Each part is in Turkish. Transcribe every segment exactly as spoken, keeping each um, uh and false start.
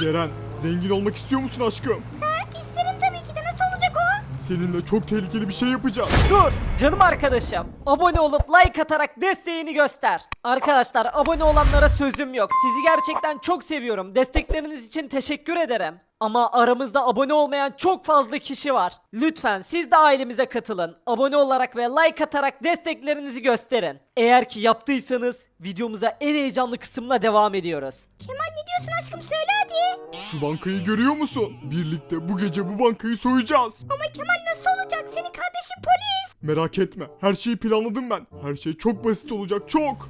Ceren, zengin olmak istiyor musun aşkım? Ha, isterim tabii ki de, nasıl olacak o? Seninle çok tehlikeli bir şey yapacağız. Dur canım arkadaşım. Abone olup like atarak desteğini göster. Arkadaşlar abone olanlara sözüm yok. Sizi gerçekten çok seviyorum. Destekleriniz için teşekkür ederim. Ama aramızda abone olmayan çok fazla kişi var. Lütfen siz de ailemize katılın. Abone olarak ve like atarak desteklerinizi gösterin. Eğer ki yaptıysanız videomuza en heyecanlı kısımla devam ediyoruz. Kemal ne diyorsun aşkım, söyle hadi. Şu bankayı görüyor musun? Birlikte bu gece bu bankayı soyacağız. Ama Kemal nasıl olacak, senin kardeşin polis. Merak etme, her şeyi planladım ben. Her şey çok basit olacak, çok.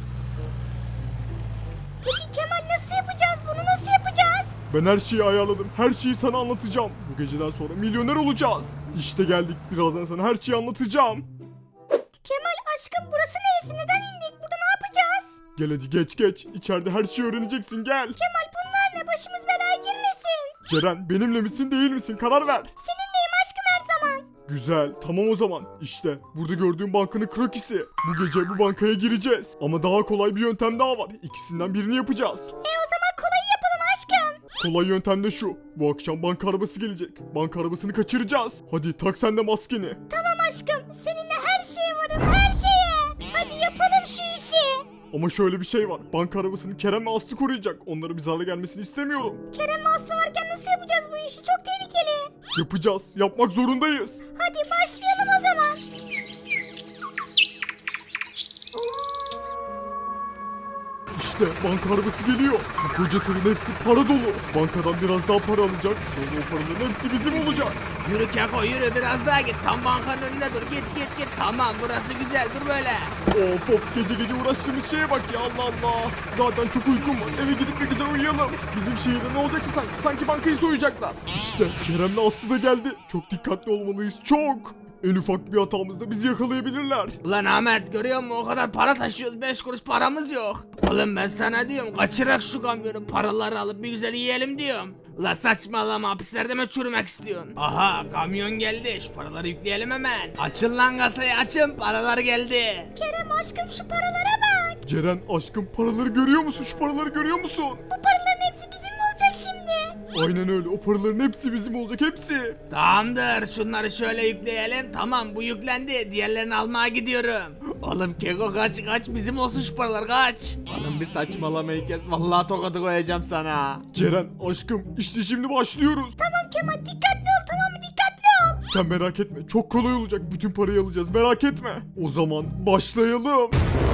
Peki Kemal nasıl yapacağız bunu, nasıl yapacağız? Ben her şeyi ayarladım, her şeyi sana anlatacağım. Bu geceden sonra milyoner olacağız. İşte geldik, birazdan sana her şeyi anlatacağım. Kemal aşkım burası neresi, neden indik, burada ne yapacağız? Gel hadi geç geç, içeride her şeyi öğreneceksin, gel. Kemal bunlar ne, başımız belaya girmesin. Ceren, benimle misin değil misin, karar ver. Seninleyim aşkım her zaman. Güzel, tamam o zaman. İşte burada gördüğün bankanın krokisi. Bu gece bu bankaya gireceğiz. Ama daha kolay bir yöntem daha var. İkisinden birini yapacağız. E o zaman kolayı yapalım aşkım. Kolay yöntem de şu. Bu akşam banka arabası gelecek. Banka arabasını kaçıracağız. Hadi tak sen de maskeni. Tamam aşkım, seninle her şeye varım, her şeye. Hadi yapalım şu işi. Ama şöyle bir şey var. Banka arabasını Kerem ve Aslı koruyacak. Onlara bir zarar gelmesini istemiyorum. Kerem ve Aslı varken nasıl yapacağız bu işi, çok tehlikeli. Yapacağız. Yapmak zorundayız. Hadi başlayalım o zaman. İşte banka arabası geliyor. Bu koca tırın hepsi para dolu. Bankadan biraz daha para alacak. Sonra o paraların hepsi bizim olacak. Yürü Keko yürü biraz daha git. Tam bankanın önüne dur. Git git git. Tamam burası güzel dur böyle. Of of, gece gece uğraştığımız şeye bak ya, Allah Allah. Zaten çok uykum var. Eve gidip bir güzel uyuyalım. Bizim şehirde ne olacaksa sanki, sanki bankayı soyacaklar. İşte Kerem'le Aslı da geldi. Çok dikkatli olmalıyız, çok. En ufak bir hatamızda bizi yakalayabilirler. Ulan Ahmet görüyor musun o kadar para taşıyoruz beş kuruş paramız yok. Oğlum ben sana diyorum kaçırak şu kamyonu paraları alıp bir güzel yiyelim diyorum. Ulan saçmalama, hapislerde mi çürümek istiyorsun? Aha kamyon geldi, şu paraları yükleyelim hemen. Açın lan kasayı açın, paralar geldi. Kerem aşkım şu paralara bak. Ceren aşkım, paraları görüyor musun? Şu paraları görüyor musun? Bu paraların hepsi bizim mi olacak şimdi? Aynen öyle, o paraların hepsi bizim olacak, hepsi. Tamamdır şunları şöyle yükleyelim. Tamam bu yüklendi, diğerlerini almaya gidiyorum. Oğlum Keko kaç kaç, bizim olsun şu paralar kaç. Oğlum bir saçmalamayı kes. Vallahi tokadı koyacağım sana. Ceren aşkım, işte şimdi başlıyoruz. Tamam Kemal, dikkatli ol, tamam mı, dikkatli ol. Sen merak etme, çok kolay olacak. Bütün parayı alacağız, merak etme. O zaman başlayalım.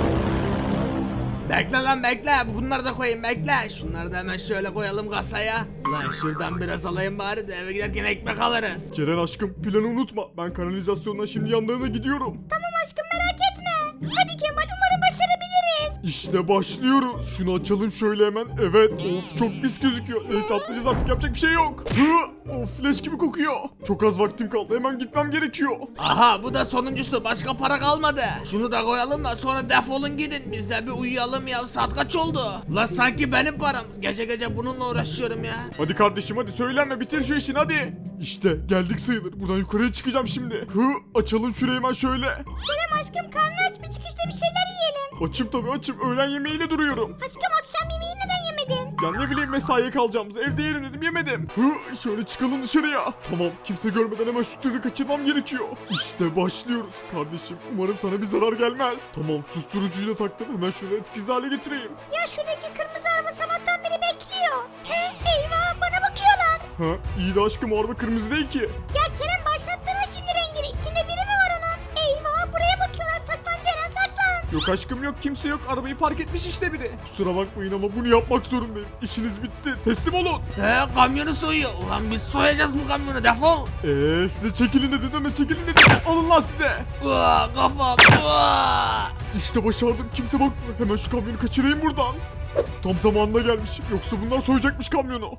Bekle lan bekle, bunları da koyayım bekle. Şunları da hemen şöyle koyalım kasaya. Lan şuradan biraz alayım bari de eve giderken ekmek alırız. Ceren aşkım, planı unutma. Ben kanalizasyondan şimdi yanlarına gidiyorum. Tamam aşkım, merak etme. Hadi Kemal, umarım başarabiliriz. İşte başlıyoruz. Şunu açalım şöyle hemen. Evet. Of çok pis gözüküyor. Neyse atlayacağız artık, yapacak bir şey yok. Hı, of leş gibi kokuyor. Çok az vaktim kaldı. Hemen gitmem gerekiyor. Aha bu da sonuncusu, başka para kalmadı. Şunu da koyalım da sonra defolun gidin. Biz de bir uyuyalım ya, saat kaç oldu? Lan sanki benim param. Gece gece bununla uğraşıyorum ya. Hadi kardeşim hadi, söylenme, bitir şu işini hadi. İşte geldik sayılır. Buradan yukarıya çıkacağım şimdi. Hı, açalım şurayı hemen şöyle. Kerem aşkım, karnı aç mı, çıkışta bir şeyler yiyelim. Açım tabii açım. Öğlen yemeğiyle duruyorum. Aşkım akşam yemeği neden yemedin? Ya ne bileyim, mesaiye kalacağımız, evde yerim dedim, yemedim. Hı, şöyle çıkalım dışarıya. Tamam, kimse görmeden hemen şu tırı kaçırmam gerekiyor. İşte başlıyoruz kardeşim. Umarım sana bir zarar gelmez. Tamam, susturucuyu da taktım. Hemen şöyle etkisiz hale getireyim. Ya şuradaki kırmızı araba sabahtan beri bekliyor. He, eyvah, bana bakıyorlar. Ha, iyi de aşkım, o araba kırmızı değil ki. Ya Kerem, başlattırma şimdi rengini. İçinde biri mi var onun? Eyvah, buraya bakıyorlar. Saklan Ceren, saklan. Yok aşkım yok, kimse yok. Arabayı park etmiş işte biri. Kusura bakmayın ama bunu yapmak zorundayım. İşiniz bitti. Teslim olun. He kamyonu soyuyor. Ulan biz soyacağız bu kamyonu, defol. Eee size çekilin dedim ama çekilin dedim. Alın lan size. Uaa, kafam. Uaa. İşte başardım. Kimse bakmıyor. Hemen şu kamyonu kaçırayım buradan. Tam zamanında gelmişim. Yoksa bunlar soyacakmış kamyonu.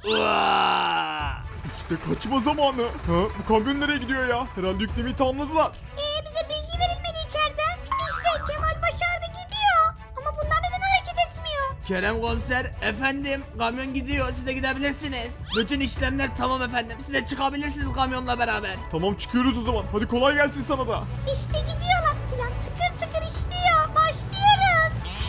Uaa. İşte kaçma zamanı. Ha, bu kamyon nereye gidiyor ya? Herhalde yüklemeyi tamamladılar. Ee, bize bilgi verilmedi içeriden. İşte Kemal başardı, gidiyor. Ama bunlar neden hareket etmiyor? Kerem komiser, efendim kamyon gidiyor, siz de gidebilirsiniz. Bütün işlemler tamam efendim, siz de çıkabilirsiniz kamyonla beraber. Tamam, çıkıyoruz o zaman. Hadi kolay gelsin sana da. İşte gidiyorlar. Plan tıkır tıkır işliyor. Başlıyoruz.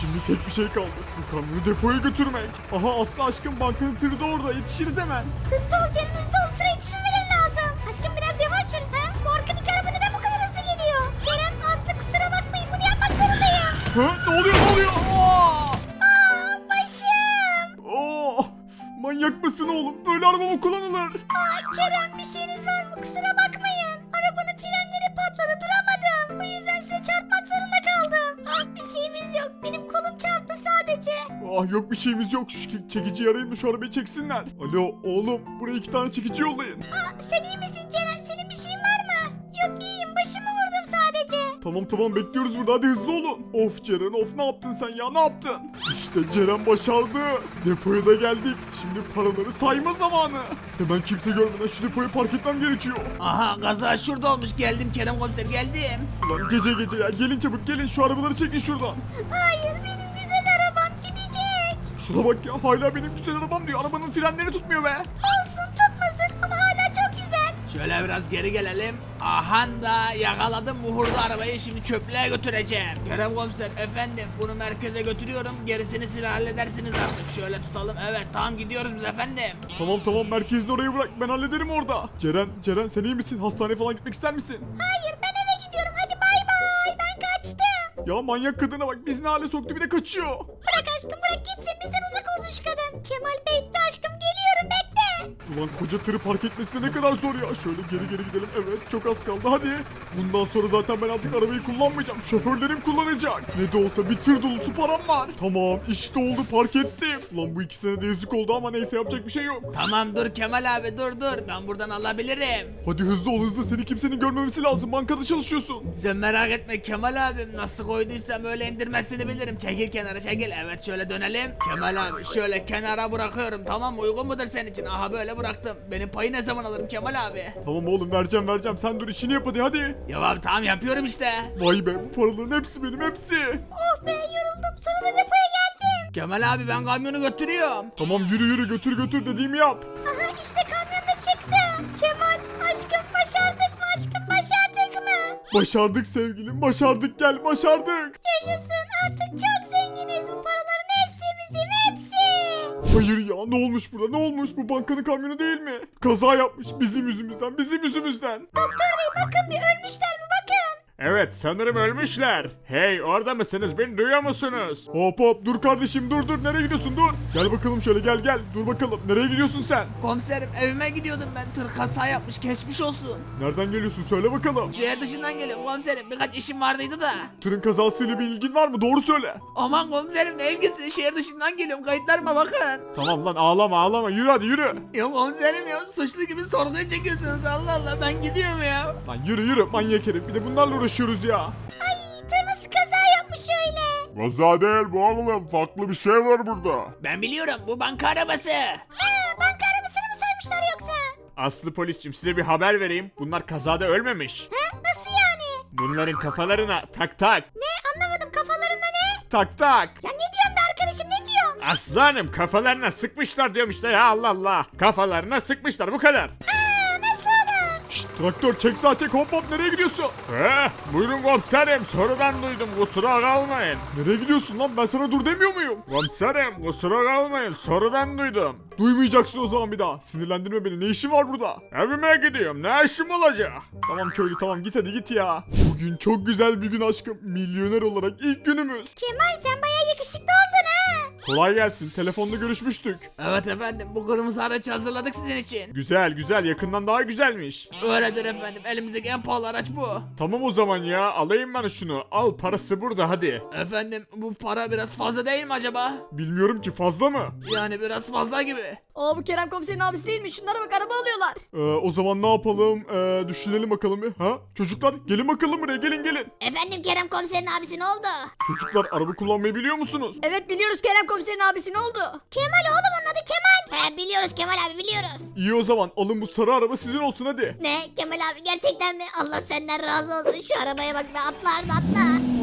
Şimdi tek bir şey kaldı. Bu kamyonu depoya götürmek. Aha Aslı aşkım bankanın tırı da orada. Yetişiriz hemen. Hızlı ol Ceren hızlı ol. Tıra yetişmemeleri lazım. Aşkım biraz yavaş sür. Ha? Bu arkadaki araba neden bu kadar hızlı geliyor? Kerem Aslı kusura bakmayın bunu yapmak zorundayım. Ha? Ne oluyor ne oluyor? Aa! Aa başım. Oo! Manyak mısın oğlum? Böyle araba mı kullanılır? Aa Kerem bir şeyiniz var mı? Kusura bakmayın. Arabanın frenleri patladı duramadım. Bu yüzden size çarpmak zorunda kaldım. Ah bir şeyimiz yok. Benim kolum çarptı sadece. Ah yok bir şeyimiz yok. Şu çe- çekiciyi arayın da şu arabayı çeksinler. Alo oğlum buraya iki tane çekici yollayın. Aa sen iyi misin Ceren? Senin bir şeyin var mı? Yok iyiyim. Başımı vurdum sadece. Tamam tamam bekliyoruz burada hadi hızlı olun. Of Ceren of ne yaptın sen ya ne yaptın? İşte Ceren başardı. Depoya da geldik. Şimdi paraları sayma zamanı. Hemen kimse görmeden şu depoyu park etmem gerekiyor. Aha kaza şurada olmuş geldim Kerem komiser geldim. Ulan gece gece ya gelin çabuk gelin şu arabaları çekin şuradan. Hayır benim güzel arabam gidecek. Şuna bak ya hala benim güzel arabam diyor. Arabanın frenleri tutmuyor be. Olsun tutmasın ama hala çok güzel. Şöyle biraz geri gelelim. Aha da yakaladım muhurlu arabayı şimdi çöplüğe götüreceğim. Kerem komiser efendim bunu merkeze götürüyorum. Gerisini siz halledersiniz artık. Şöyle tutalım evet tamam gidiyoruz biz efendim. Tamam tamam merkezini oraya bırak ben hallederim orada. Ceren Ceren sen iyi misin? Hastaneye falan gitmek ister misin? Hayır ben eve gidiyorum hadi bay bay ben kaçtım. Ya manyak kadına bak bizi ne hale soktu bir de kaçıyor. Bırak aşkım bırak gitsin bizden uzak olsun şu kadın. Kemal bekle aşkım geliyorum bekle. Ulan koca tırı park etmesi de ne kadar zor ya. Şöyle geri geri gidelim. Evet çok az kaldı hadi. Bundan sonra zaten ben artık arabayı kullanmayacağım. Şoförlerim kullanacak. Ne de olsa bir tır dolusu param var. Tamam işte oldu park ettim. Ulan bu ikisine de yazık oldu ama neyse yapacak bir şey yok. Tamam dur Kemal abi dur dur ben buradan alabilirim. Hadi hızlı ol hızlı seni kimsenin görmemesi lazım. Bankada çalışıyorsun. Sen merak etme Kemal abim nasıl koyduysam öyle indirmesini bilirim. Çekil kenara çekil evet şöyle dönelim. Kemal abi şöyle kenara bırakıyorum tamam mı uygun mudur senin için? Aha böyle bıraktım. Benim payı ne zaman alırım Kemal abi? Tamam oğlum vereceğim vereceğim. Sen dur işini yap hadi hadi. Ya abi tamam yapıyorum işte. Vay be bu paraların hepsi benim hepsi. Oh be yoruldum sonunda depoya geldim. Kemal abi ben kamyonu götürüyorum. Tamam yürü yürü götür götür dediğimi yap. Aha işte kamyon da çıktı. Kemal aşkım başardık mı aşkım başardık mı? Başardık sevgilim başardık gel başardık. Yaşasın artık çok zenginiz. Bu paraların hepsi bizim hepsi. Hayır ya ne olmuş burada ne olmuş bu bankanın kamyonu değil mi? Kaza yapmış bizim yüzümüzden bizim yüzümüzden. Doktor bey bakın bir ölmüşler mi bakın. Evet sanırım ölmüşler. Hey orada mısınız beni duyuyor musunuz? Hop hop dur kardeşim dur dur nereye gidiyorsun dur. Gel bakalım şöyle gel gel dur bakalım nereye gidiyorsun sen? Komiserim evime gidiyordum ben tır kaza yapmış geçmiş olsun. Nereden geliyorsun söyle bakalım. Şehir dışından geliyorum komiserim birkaç işim vardıydı da. Tırın kazasıyla bir ilgin var mı doğru söyle. Aman komiserim ne ilgisi şehir dışından geliyorum kayıtlarıma bakın. Tamam lan ağlama ağlama yürü hadi yürü. Ya komiserim ya suçlu gibi sorguya çekiyorsunuz Allah Allah ben gidiyorum ya. Lan yürü yürü manyak herif bir de bunlarla uğraşıyoruz ya. Ay tır nasıl kaza yapmış öyle. Kaza değil bu oğlum farklı bir şey var burada. Ben biliyorum bu banka arabası. Ha banka arabasını mı soymuşlar yoksa? Aslı polisçim size bir haber vereyim. Bunlar kazada ölmemiş. Ha nasıl yani? Bunların kafalarına tak tak. Ne anlamadım kafalarında ne? Tak tak. Ya ne diyorsun be arkadaşım ne diyorsun? Aslanım kafalarına sıkmışlar diyorum işte ya Allah Allah. Kafalarına sıkmışlar bu kadar. Aa nasıl olur? Şşt traktör çek sağa çek hop hop nereye gidiyorsun? He buyurun komiserim sorudan duydum kusura kalmayın. Nereye gidiyorsun lan ben sana dur demiyor muyum? Komiserim kusura kalmayın sorudan duydum. Duymayacaksın o zaman bir daha. Sinirlendirme beni ne işin var burada? Evime gidiyorum ne işim olacak? Tamam köylü tamam git hadi git ya. Bugün çok güzel bir gün aşkım. Milyoner olarak ilk günümüz. Kemal sen bayağı yakışıklı oldun ha. Kolay gelsin telefonda görüşmüştük. Evet efendim bu kırmızı aracı hazırladık sizin için. Güzel güzel yakından daha güzelmiş. Öyledir efendim elimizdeki en pahalı araç bu. Tamam o zaman ya alayım ben şunu. Al parası burada hadi. Efendim bu para biraz fazla değil mi acaba? Bilmiyorum ki fazla mı? Yani biraz fazla gibi. Aa bu Kerem komiserin abisi değil mi? Şunlara bak araba alıyorlar. Ee, o zaman ne yapalım? Ee, düşünelim bakalım bir. Ha? Çocuklar gelin bakalım buraya gelin gelin. Efendim Kerem komiserin abisi ne oldu? Çocuklar araba kullanmayı biliyor musunuz? Evet biliyoruz Kerem komiserin abisi ne oldu? Kemal oğlum onun adı Kemal. He biliyoruz Kemal abi biliyoruz. İyi o zaman alın bu sarı araba sizin olsun hadi. Ne Kemal abi gerçekten mi? Allah senden razı olsun şu arabaya bak be atlar da atla.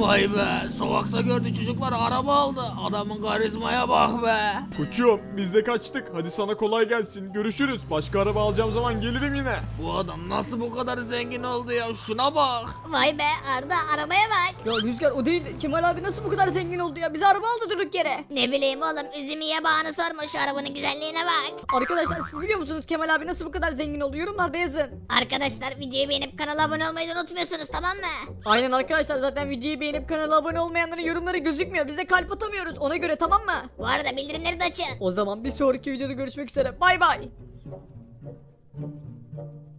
Vay be sokakta gördü çocuklar araba aldı. Adamın karizmaya bak be. Koçum biz de kaçtık. Hadi sana kolay gelsin. Görüşürüz. Başka araba alacağım zaman gelirim yine. Bu adam nasıl bu kadar zengin oldu ya şuna bak. Vay be Arda arabaya bak. Ya Rüzgar o değil. Kemal abi nasıl bu kadar zengin oldu ya? Bize araba aldı durduk yere. Ne bileyim oğlum üzümü yabağını sorma şu arabanın güzelliğine bak. Arkadaşlar siz biliyor musunuz Kemal abi nasıl bu kadar zengin oldu? Yorumlarda yazın. Arkadaşlar videoyu beğenip kanala abone olmayı da unutmuyorsunuz tamam mı? Aynen arkadaşlar zaten videoyu beğenip kanala abone olmayanların yorumları gözükmüyor. Biz de kalp atamıyoruz. Ona göre tamam mı? Bu arada bildirimleri de açın. O zaman bir sonraki videoda görüşmek üzere. Bay bay.